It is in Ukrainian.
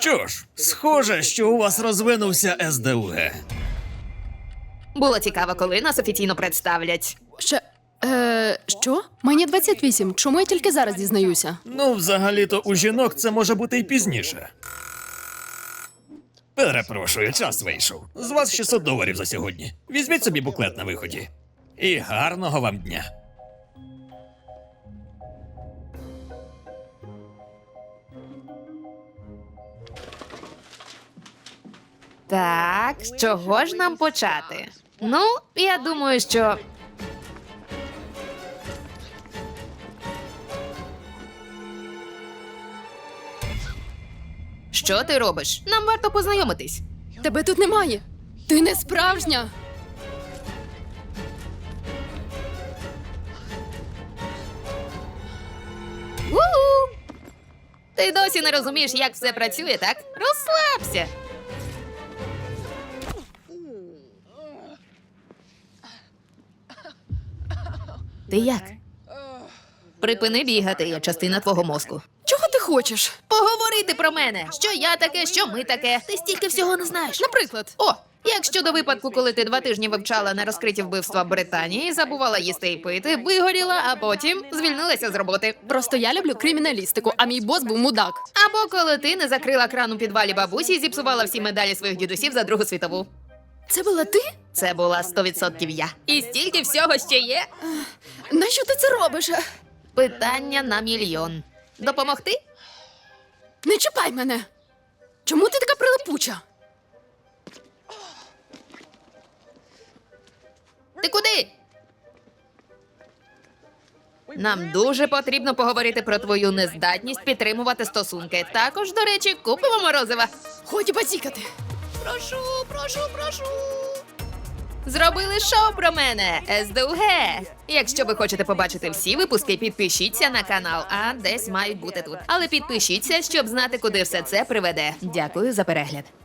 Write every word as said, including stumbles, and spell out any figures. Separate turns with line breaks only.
Що ж, схоже, що у вас розвинувся ес де у ге.
Було цікаво, коли нас офіційно представлять.
Ще. Е, що? Мені двадцять вісім. Чому я тільки зараз дізнаюся?
Ну, взагалі-то у жінок це може бути і пізніше. Перепрошую, час вийшов. З вас шістсот доларів за сьогодні. Візьміть собі буклет на виході. І гарного вам дня.
Так, з чого ж нам почати? Ну, я думаю, що. Що ти робиш? Нам варто познайомитись.
Тебе тут немає. Ти не справжня.
У-у! Ти досі не розумієш, як все працює, так? Розслабся. Ти як? Припини бігати, я частина твого мозку.
Чого ти хочеш?
Поговорити про мене. Що я таке, що ми таке. Ти стільки всього не знаєш.
Наприклад.
О, як щодо випадку, коли ти два тижні вивчала на розкриті вбивства Британії, забувала їсти і пити, вигоріла, а потім звільнилася з роботи.
Просто я люблю криміналістику, а мій бос був мудак.
Або коли ти не закрила кран у підвалі бабусі і зіпсувала всі медалі своїх дідусів за Другу світову.
Це була ти?
Це була сто відсотків я. І стільки всього ще є.
Нащо ти це робиш?
Питання на мільйон. Допомогти?
Не чіпай мене. Чому ти така прилипуча?
Ти куди? Нам дуже потрібно поговорити про твою нездатність підтримувати стосунки. Також, до речі, купимо морозива.
Ході базікати.
Прошу, прошу, прошу. Зробили шоу про мене, ес де у ге. Якщо ви хочете побачити всі випуски, підпишіться на канал, а десь мають бути тут. Але підпишіться, щоб знати, куди все це приведе. Дякую за перегляд.